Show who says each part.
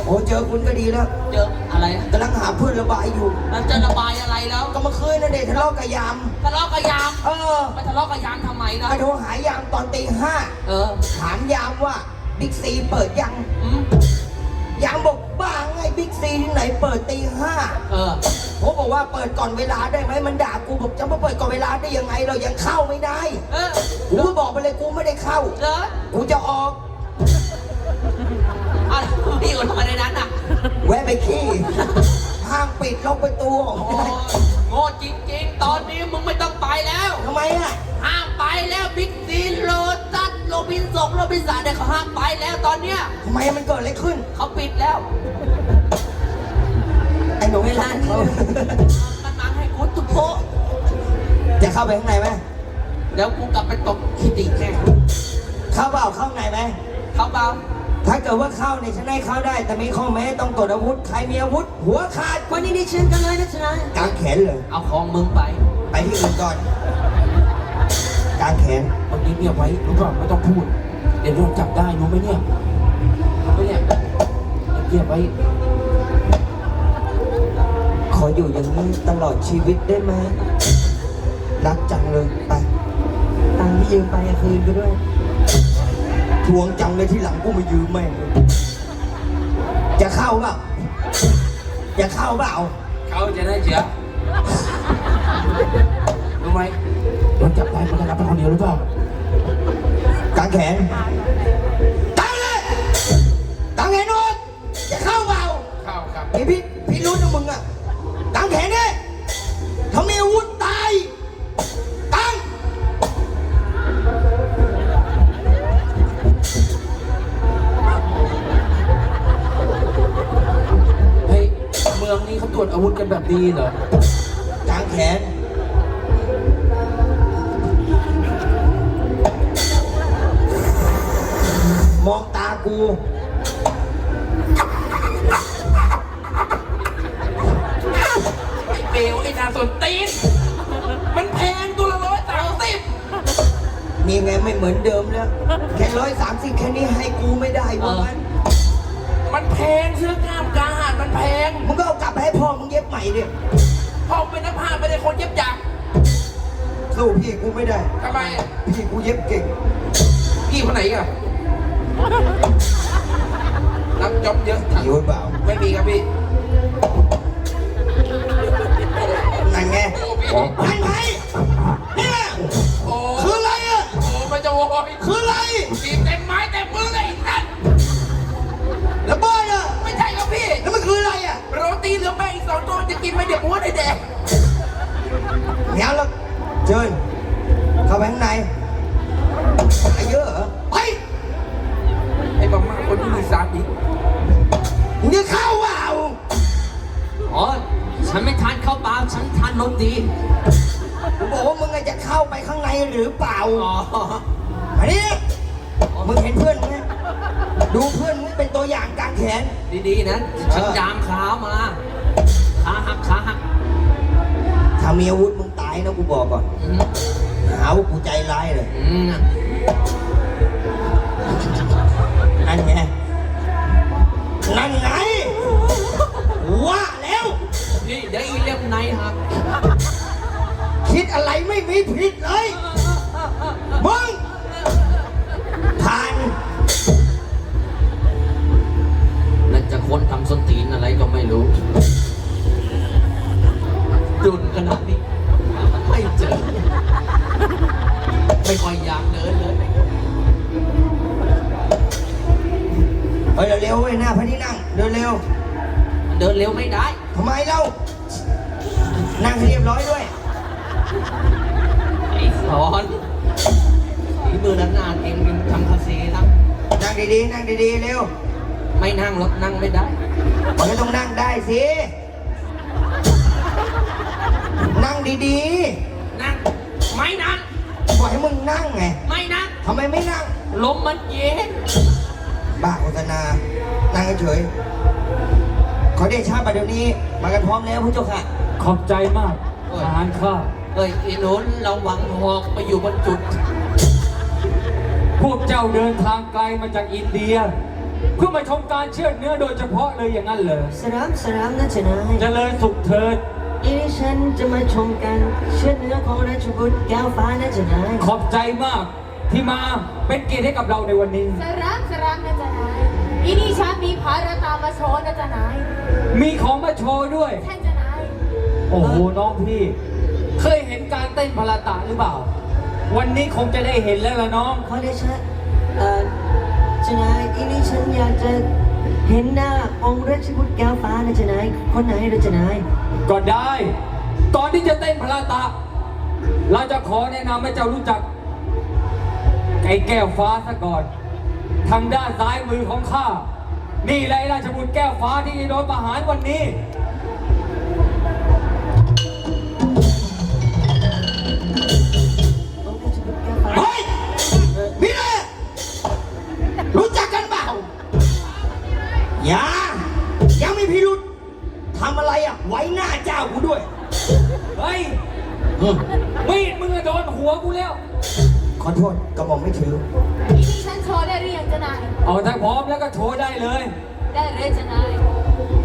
Speaker 1: โอ้เจอคุณก็ดีแล้ว
Speaker 2: เจออะไร
Speaker 1: กำลังหาเพื่อนระบายอยู่
Speaker 2: มันจะระบายอะไรแล้ว
Speaker 1: ก็เมื่อคืนนั่นเด็กทะเลาะกับยาม
Speaker 2: ทะเลาะกับยามไปทะเลาะกับยามทำไมนะ
Speaker 1: ไปโทรหายามตอนตี 5ถามยามว่าบิ๊กซีเปิดยังยามบอกบ้าไงบิ๊กซีที่ไหนเปิดตี 5ผมบอกว่าเปิดก่อนเวลาได้ไหมมันด่ากูบอกจะมาเปิดก่อนเวลาได้ยังไงเรายังเข้าไม่ได้กูก็บอกไปเลยกูไม่ได้เข้ากูจะออก
Speaker 2: พี่อยู่ทำไมในนั้นอ่ะ
Speaker 1: แวะไปขี้ห้างปิดล็อกประตู
Speaker 2: โง่จริงๆตอนนี้มึงไม่ต้องไปแล้ว
Speaker 1: ทำไมอ่ะ
Speaker 2: ห้ามไปแล้วบิ๊กซีโลตัสโรบินสันเนี่ยเขาห้ามไปแล้วตอนเนี้ย
Speaker 1: ทำไมมันเกิดอะไรขึ้น
Speaker 2: เขาปิดแล้ว
Speaker 1: ไอ้หนูเวลานี้
Speaker 2: มันมาให้กูตุ๊โพ
Speaker 1: จะเข้าไปข้างในไหม
Speaker 2: เดี๋ยวกูกลับไปตบคิติแน่
Speaker 1: เข้าเปล่าเข้าไหนไหม
Speaker 2: เข้าเปล่า
Speaker 1: ถ้าเกิดว่าเข้าเนี่ยฉันให้เข้าได้แต่มีข้อแม้ต้องตรวจอาวุธใครมีอาวุธหัวขาด
Speaker 2: วันนี้ดิฉันกันเลยนะจ๊ะ
Speaker 1: กางแขนเลย
Speaker 2: เอาของมึงไป
Speaker 1: ที่อื่นก่อนกางแขน
Speaker 3: วันนี้เงียบไว้รู้ป่ะไม่ต้องพูดเดี๋ยวโดนจับได้รู้ไหมเนี่ยรู้ไหมเนี่ยเงียบไว้
Speaker 1: ขออยู่อย่างนี้ตลอดชีวิตได้ไหมรักจังเลยไปตังค์ที่ยืมไปคืนไปด้วยทวงจังเลยที่หลังกูมายืมแม่จะเข้าเปล่าจะเข้าเปล่า
Speaker 3: เขาจะได้เสียรู้ไหมโดนจับได้มันจะรับไปคนเดียวหรือเปล่าก
Speaker 1: างแขนตั้งเลยตั้งแขนนอนจะเข้าเปล่า
Speaker 3: เข้าครับ
Speaker 1: ไอพี่รู้นะมึงอะตั้งแขนดิถ้ามีอาวุธตายตั้ง
Speaker 3: เมืองนี้เขาตรวจอาวุธกันแบบนี้เหรอก
Speaker 1: างแขนมองตากู
Speaker 3: ไอ้เบลไอ้นาสนตีนมันแพงตัวละ130
Speaker 1: นี่ไงไม่เหมือนเดิมแล้วแค่130แค่นี้ให้กูไม่ได้วะ
Speaker 3: มันแพงเสื้อกล้ามกาหาดมันแพง
Speaker 1: มึงก็เอากลับไปให้พ่อมึงเย็บใหม่ดิ
Speaker 3: พ่อเป็นนักพากย์ไม่ได้คนเย็บจักร
Speaker 1: สู้พี่กูไม่ได้
Speaker 3: ทำไม
Speaker 1: พี่กูเย็บเก่ง
Speaker 3: พี่คนไหนอ่ะรับจ็อบเยอะ
Speaker 1: หิวเปล่า
Speaker 3: ไม่มีครับพี่
Speaker 1: นั่นไงไอ้ไผ่เนี่ยคืออะไรอ่ะ
Speaker 3: โอ้มันจะโวย
Speaker 1: คืออะไร
Speaker 3: ตีเต็มไม้เต็มมือเลยนั่น
Speaker 1: แล้วบ้านอ่ะ
Speaker 3: ไม่ใช่ครับพี่
Speaker 1: แล้วมันคืออะไรอ่ะ
Speaker 3: โรตีเหลือแป้งอีก2 ตัวจะกินไหมเดี๋ยวอ้วนได้แดก
Speaker 1: เดี๋ยวแล้วเชิญเข้าไปข้างในไอ้เยอะเหรอไป
Speaker 3: ไอ้บ้ามาคนที่มีสามี
Speaker 1: มึงจะเข้าเปล่า
Speaker 2: ฉันไม่ทานข้าวเปล่าฉันทานนมดี
Speaker 1: กูบอกว่ามึงจะเข้าไปข้างในหรือเปล่าอันนี้มึงเห็นเพื่อนมึงไหมดูเพื่อนมึงเป็นตัวอย่างกางแขน
Speaker 2: ดีๆนะฉันยามขามาขาหัก
Speaker 1: ถ้ามีอาวุธมึงตายนะกูบอกก่อนหาว่ากูใจร้ายเลยนั่นไงว่าแล้ว
Speaker 2: นี่เดี๋ยวอีเล่มในครับ
Speaker 1: คิดอะไรไม่มีผิดเลยมึงผ่าน
Speaker 2: นั่นจะคนทำส้นตีนอะไรก็ไม่รู้ดุนขนาดนี้ไม่เจอไม่ค่อยอยากเดินเลย
Speaker 1: เร็วๆเว้ยหน้าพระที่นั่งเดินเร็ว
Speaker 2: ไม่ได้
Speaker 1: ทำไมเล่านั่งให้เรียบร้อยด้วย
Speaker 2: ไอ้สอนฝีมือนานๆเองทำคาเซ่
Speaker 1: นั่งดีๆเร็ว
Speaker 2: ไม่นั่งหรอกนั่งไม่ได้
Speaker 1: มันก็ต้องนั่งได้สินั่งดี
Speaker 2: ๆนั่งไม่นั่ง
Speaker 1: บอกให้มึงนั่งไง
Speaker 2: ไม่นั่ง
Speaker 1: ทำไมไม่นั่ง
Speaker 2: ลมมันเย็น
Speaker 1: บ้าโฆษณานั่งเฉยขอเดชะบัดเดี๋ยวนี้มากันพร้อมแล้วพระเจ้าค่ะ
Speaker 3: ขอบใจมากทหารข้า
Speaker 2: อีโน้นเราหวังหอกไปอยู่บนจุด
Speaker 3: พวกเจ้าเดินทางไกลมาจากอินเดีย
Speaker 4: เพื่อมาชมการเชือดเนื้อโดยเฉพาะเลยอย่างนั้นเลย
Speaker 5: สรามนะจ๊ะนาย
Speaker 4: เจริญสุขเถิด
Speaker 5: อีนี่ฉันจะมาชมกันเชือดเนื้อของราชบุตรแก้วฟ้านะจ๊ะนาย
Speaker 4: ขอบใจมากที่มาเป็นเกียรติให้กับเราในวันนี้
Speaker 6: สรามนะจ๊ะนายอีนี่ฉันมีภารตามมาโชว์นะจ๊ะนาย
Speaker 4: มีของมาโชว์ด้วย
Speaker 6: ท่านจ๊ะนาย
Speaker 4: โอ้โหน้องพี่ เคยเห็นการเต้นพลาตะหรือเปล่า วันนี้คงจะได้เห็นแล้วล่ะน้อง
Speaker 5: ขอเดชะจ๊ะนายอีนี่ฉันอยากจะเห็นหน้าองค์ราชบุตรแก้วฟ้านะจ๊ะนายคนไหนนะจ๊ะนาย
Speaker 4: ก็ได้ ก่อนที่จะเต้นพลาตะ เราจะขอแนะนำให้เจ้ารู้จักไอ้แก้วฟ้าซะก่อน ทางด้านซ้ายมือของข้า นี่แหละไอ้ราชบุตรแก้วฟ้าที่จะโดนประหารวันนี้
Speaker 5: องค์ราชบุตรแก้วฟ้า
Speaker 1: เฮ้ยพี่เน่รู้จักกันเปล่ายังไม่พิรุษทำอะไรอ่ะ ไว้หน้าเจ้ากูด้วย
Speaker 4: เฮ้ยมีดมึงอะโดนหัวกูแล้ว
Speaker 1: ขอโทษกระหม่อมไม่ถือ
Speaker 6: อีนี่ฉันโชว์ได้หรือยังจ๊ะนาย
Speaker 4: เอาถ้าพร้อมแล้วก็โชว์ได้เลย
Speaker 6: ได้เลยจ๊ะนาย